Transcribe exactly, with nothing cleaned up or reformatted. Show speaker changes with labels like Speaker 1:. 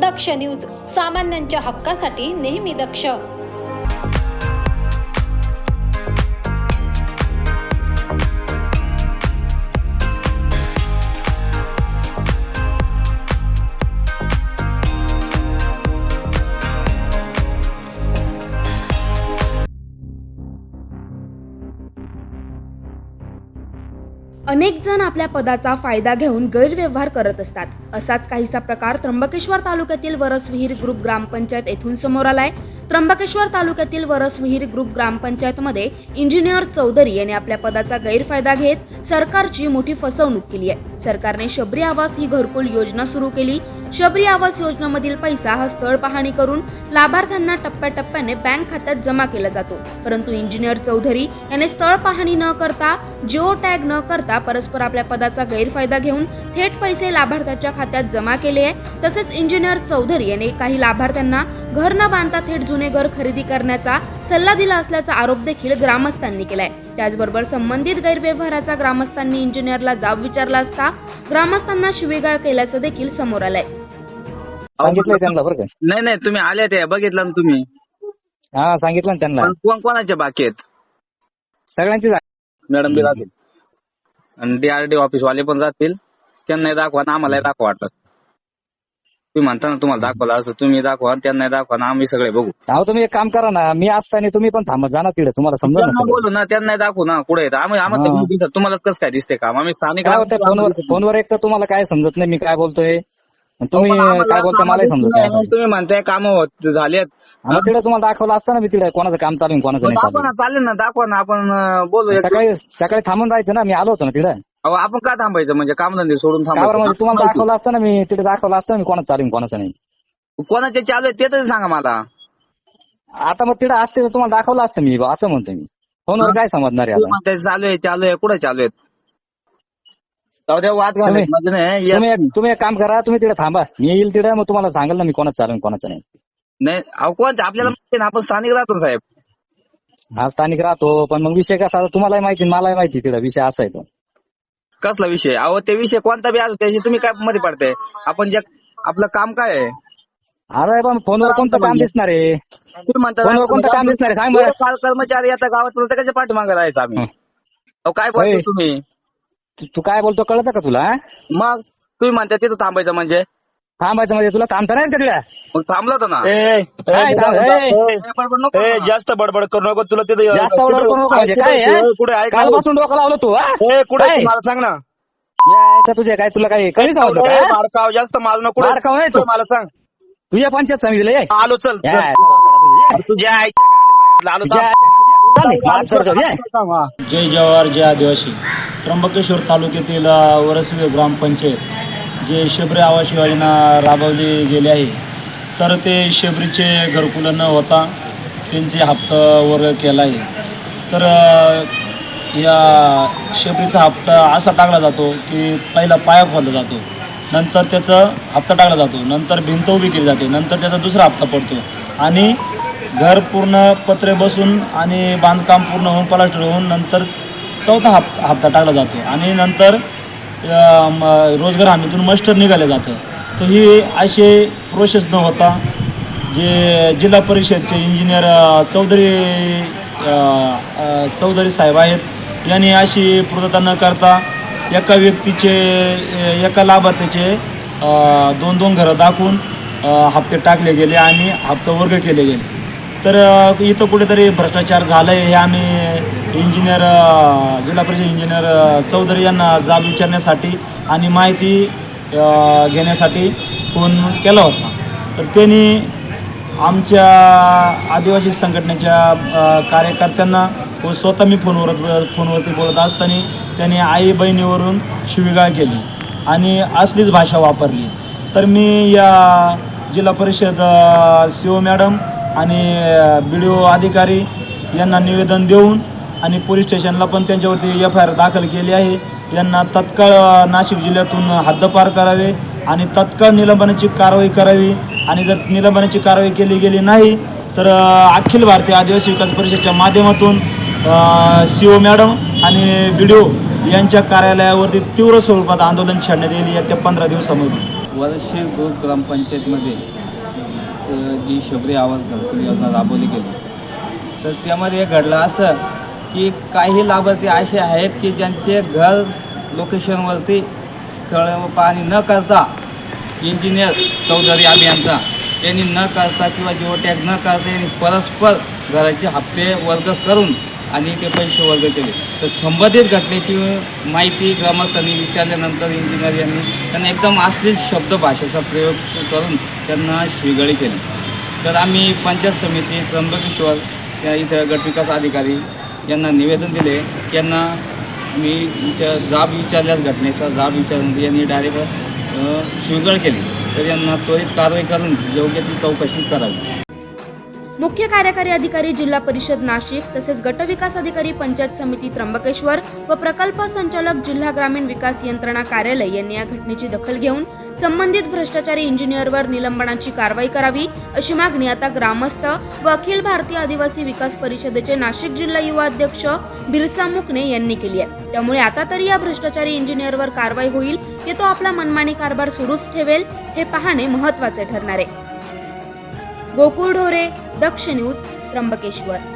Speaker 1: दक्ष news, सामान्यांच्या हक्कासाठी नेहमी दक्ष.
Speaker 2: अनेक जण आपल्या पदाचा फायदा घेऊन गैरव्यवहार करत असतात. असाच काहीसा प्रकार त्र्यंबकेश्वर तालुक्यातील वरसविहीर ग्रुप ग्रामपंचायत येथून समोर आलाय. त्र्यंबकेश्वर तालुक्यातील वरसविहीर ग्रुप ग्रामपंचायतमध्ये इंजिनियर चौधरी यांनी आपल्या पदाचा गैरफायदा घेत सरकारची मोठी फसवणूक केली आहे. सरकारने शबरी आवास ही घरकुल योजना सुरू केली. शबरी आवास योजनेमधील पैसा हा स्थळ पाहणी करून लाभार्थ्यांना टप्प्याटप्प्याने बँक खात्यात जमा केला जातो. परंतु इंजिनियर चौधरी याने स्थळ पाहणी न करता, जिओ टॅग न करता परस्पर आपल्या पदाचा गैरफायदा घेऊन थेट पैसे लाभार्थ्याच्या खात्यात जमा केले आहे. तसेच इंजिनियर चौधरी याने काही लाभार्थ्यांना घर न बांधता थेट जुने घर खरेदी करण्याचा सल्ला दिला असल्याचा आरोप देखील ग्रामस्थांनी केलाय. त्याचबरोबर संबंधित गैरव्यवहाराचा ग्रामस्थांनी इंजिनियरला जाब विचारला असता ग्रामस्थांना शिवीगाळ केल्याचं देखील समोर आलंय.
Speaker 3: सांगितलं त्यांना बरं का?
Speaker 4: नाही नाही तुम्ही आले ते बघितलं ना तुम्ही?
Speaker 3: हा सांगितलं ना त्यांना.
Speaker 4: पण कोण कोणाच्या बाकी आहेत?
Speaker 3: सगळ्यांची
Speaker 4: मॅडम बी राहतील आणि डीआरडी ऑफिस वाले पण राहतील. त्यांनाही दाखवा ना आम्हालाही दाखवा. वाटलं तुम्ही म्हणता ना तुम्हाला दाखवलं असं, तुम्ही दाखवा त्यांनाही दाखवा ना, आम्ही सगळे बघू.
Speaker 3: अहो तुम्ही एक काम करा ना, मी असताना तुम्ही पण थांबत जा ना तिकडे, तुम्हाला समजा
Speaker 4: त्यांना बोलू ना, त्यांनाही दाखवू ना कुठे येतं. आम्ही आम्हाला
Speaker 3: हा.
Speaker 4: दिसत, तुम्हाला कसं काय दिसते काम? आम्ही स्थानिक
Speaker 3: काय होतं फोनवर फोनवर एक तर तुम्हाला काय समजत नाही मी काय बोलतोय, तुम्ही काय बोलता मलाही समजत नाही.
Speaker 4: तुम्ही म्हणताय काम होत झालेत,
Speaker 3: मग तिकडे तुम्हाला दाखवलं असतं ना मी तिकडे कोणाचं काम चालू आहे कोणाचं नाही
Speaker 4: दाखवा
Speaker 3: चालू.
Speaker 4: ना, चालेल ना, दाखवा ना, आपण अं, बोलू. एक-
Speaker 3: सकाळी सकाळी थांबून राहायचं ना, मी आलो होतो ना तिकडे.
Speaker 4: अहो, आपण काय थांबायचं म्हणजे कामधंदे सोडून
Speaker 3: काय बरं म्हणजे
Speaker 4: थांबायचं?
Speaker 3: तुम्हाला दाखवलं असतं ना, मी तिकडे दाखवलं असतं ना मी कोणाचं चालू आहे कोणाचं नाही.
Speaker 4: कोणाचे चालू आहेत ते तरी सांगा मला.
Speaker 3: आता मग तिकडे असते तर तुम्हाला दाखवलं असतं मी, असं म्हणतो मी. फोनवर काय समजणार आहे
Speaker 4: तुम्ही
Speaker 3: आता?
Speaker 4: म्हणताय चालू आहे चालू आहे, कुठे चालू आहेत? जाऊ द्या, वाद घालायचं
Speaker 3: तुम्ही-
Speaker 4: म्हणजे नाही.
Speaker 3: तुम्ही
Speaker 4: या-
Speaker 3: एक तुम्ही एक काम करा, तुम्ही तिकडे थांबा, मी येईल तिकडे, मग तुम्हाला सांगेल ना मी कोणाचं चालू आहे कोणाचं नाही.
Speaker 4: नाही अहो, कोण आपल्याला माहिती ना, आपण स्थानिक राहतो ना साहेब.
Speaker 3: हा स्थानिक राहतो, पण मग विषय कसा आता तुम्हालाही माहिती मलाही माहिती तिकडे विषय असा आहे तो.
Speaker 4: कसला विषय? अहो, ते विषय कोणता बी असो त्याशी तुम्ही काय मध्ये पडताय? आपण जे आपलं काम काय आहे?
Speaker 3: अरे पण फोनवर कोणतं काम दिसणार आहे?
Speaker 4: तुम्ही म्हणता
Speaker 3: फोनवर कोणतं काम दिसणार आहे? सांग बरं.
Speaker 4: काल कर्मचारी आता गावात बोलता कशा पाठीमागे राहायचं आम्ही?
Speaker 3: हं.
Speaker 4: अहो, काय बोलतो
Speaker 3: होय.
Speaker 4: तुम्ही?
Speaker 3: तू- तू काय बोलतो कळतं का तुला?
Speaker 4: मग तुम्ही म्हणता तिथं थांबायचं म्हणजे?
Speaker 3: थांबायचं म्हणजे तुला थांबता नाही का तिकडे?
Speaker 4: मग थांबलो होतो ना.
Speaker 5: ए, ए,
Speaker 3: काय
Speaker 5: जा-
Speaker 3: थांब-
Speaker 5: जा-
Speaker 3: ए,
Speaker 5: ए,
Speaker 4: ए, बडबड नको
Speaker 5: ए,
Speaker 4: करू ना.
Speaker 5: जास्त बडबड करू नको. तुला तिथे
Speaker 3: जास्त बडबड करू नको म्हणजे काय आहे?
Speaker 5: कुठे ऐक ना.
Speaker 3: कालपासून डोकं लावलं तू हा?
Speaker 5: ए, कुठे
Speaker 3: काय?
Speaker 5: मला सांग ना.
Speaker 3: यायचं तुझे काय तुला काय कधी समजलं
Speaker 5: ए,
Speaker 3: का?
Speaker 5: मारकाव जास्त मारू नको.
Speaker 3: मारकाव नाही तू.
Speaker 5: मला सांग.
Speaker 3: तुझ्या पंचायत समितीला ये.
Speaker 5: आलो चल
Speaker 3: या,
Speaker 5: चल.
Speaker 3: या, तुझ्या-
Speaker 5: तुझ्या आईच्या गांडीत बाहेर आलो
Speaker 3: तुझ्या-
Speaker 5: थांब.
Speaker 3: चालेल, माफ कर, कर, ये.
Speaker 6: जय जवाहर जय आदिवासी. त्र्यंबकेश्वर तालुक्यातील अ, वरसवी ग्रामपंचायत जे शबरी आवास योजना राबवली गेली आहे, तर ते शबरीचे घरकुलं न होता त्यांचे हप्ता वर्ग केला आहे. तर अ, या शबरीचा हप्ता असा टाकला जातो की पहिला पाया खोदला जातो, नंतर त्याचा हप्ता टाकला जातो, नंतर भिंत उभी केली जाते, नंतर त्याचा दुसरा हप्ता पडतो आणि घर पूर्ण पत्रे बसून आणि बांधकाम पूर्ण होऊन प्लास्टर होऊन नंतर चौथा हप हप्ता टाकला जातो आणि नंतर अ, म, रोजगार हमीतून मस्टर निघालं जातं. तर ही असे प्रोसेस न होता जे जिल्हा परिषदचे इंजिनियर अ, चौधरी अ, अ, चौधरी साहेब आहेत यांनी अशी पूर्तता न करता एका व्यक्तीचे अ, एका लाभार्थ्याचे अ, दोन दोन घरं दाखवून अ, हप्ते टाकले गेले आणि हप्ता वर्ग केले गेले. तर अ, इथं कुठेतरी भ्रष्टाचार झाला आहे हे आम्ही इंजिनियर अ, जिल्हा परिषद इंजिनियर अ, चौधरी यांना जाब विचारण्यासाठी आणि माहिती अ, घेण्यासाठी फोन केला होता. तर त्यांनी आमच्या आदिवासी संघटनेच्या अ, कार्यकर्त्यांना व स्वतः मी फोनवर फोनवरती बोलत असताना त्यांनी आई बहिणीवरून शिवीगाळ केली आणि असलीच भाषा वापरली. तर मी या जिल्हा परिषद सी ओ मॅडम आणि बी डी ओ अधिकारी यांना निवेदन देऊन आणि पोलीस स्टेशनला पण त्यांच्यावरती एफ आय आर दाखल केली आहे. यांना तत्काळ नाशिक जिल्ह्यातून हद्दपार करावे आणि तत्काळ निलंबनाची कारवाई करावी आणि जर निलंबनाची कारवाई केली गेली नाही तर अखिल भारतीय आदिवासी विकास परिषदेच्या माध्यमातून सी ओ मॅडम आणि बी डी ओ यांच्या कार्यालयावरती तीव्र स्वरूपात आंदोलन छेडण्यात येईल येत्या पंधरा दिवसामध्ये.
Speaker 7: वरशे ग्रुप ग्रामपंचायतमध्ये अ, जी शबरी आवास घरकुल योजना राबवली गेली, तर त्यामध्ये हे घडलं असं की काही लाभार्थी असे आहेत की ज्यांचे घर लोकेशनवरती स्थळ पाहणी न करता इंजिनियर चौधरी अभियंता यांनी न करता किंवा जिओटॅग न करता यांनी परस्पर घराचे हप्ते वर्ग करून आणि ते पैसे वर्ग केले. तर संबंधित घटनेची माहिती ग्रामस्थांनी विचारल्यानंतर इंजिनियर यांनी त्यांना एकदम अश्लील शब्द भाषेचा प्रयोग करून त्यांना शिवीगाळी केली. तर आम्ही पंचायत समिती त्र्यंबकेश्वर या इथं गटविकास अधिकारी यांना निवेदन दिले. यांना मी विचार जाब विचारल्यास घटनेचा जाब विचारल्यानंतर यांनी डायरेक्ट शिवीगाळ केली. तर यांना त्वरित कारवाई करून योग्य ती चौकशी करावी.
Speaker 2: मुख्य कार्यकारी अधिकारी जिल्हा परिषद नाशिक तसेच गटविकास अधिकारी पंचायत समिती त्र्यंबकेश्वर व प्रकल्प संचालक जिल्हा ग्रामीण विकास यंत्रणा कार्यालय यांनी या घटनेची दखल घेऊन संबंधित भ्रष्टाचारी इंजिनियरवर निलंबनाची कारवाई करावी अशी मागणी आता ग्रामस्थ व अखिल भारतीय आदिवासी विकास परिषदेचे नाशिक जिल्हा युवा अध्यक्ष बिरसा मुकणे यांनी केली आहे. त्यामुळे आता तरी या भ्रष्टाचारी इंजिनियरवर कारवाई होईल की तो आपला मनमानी कारभार सुरूच ठेवेल हे पाहणे महत्त्वाचे ठरणार आहे. गोकुळ ढोरे, दक्ष न्यूज, त्र्यंबकेश्वर.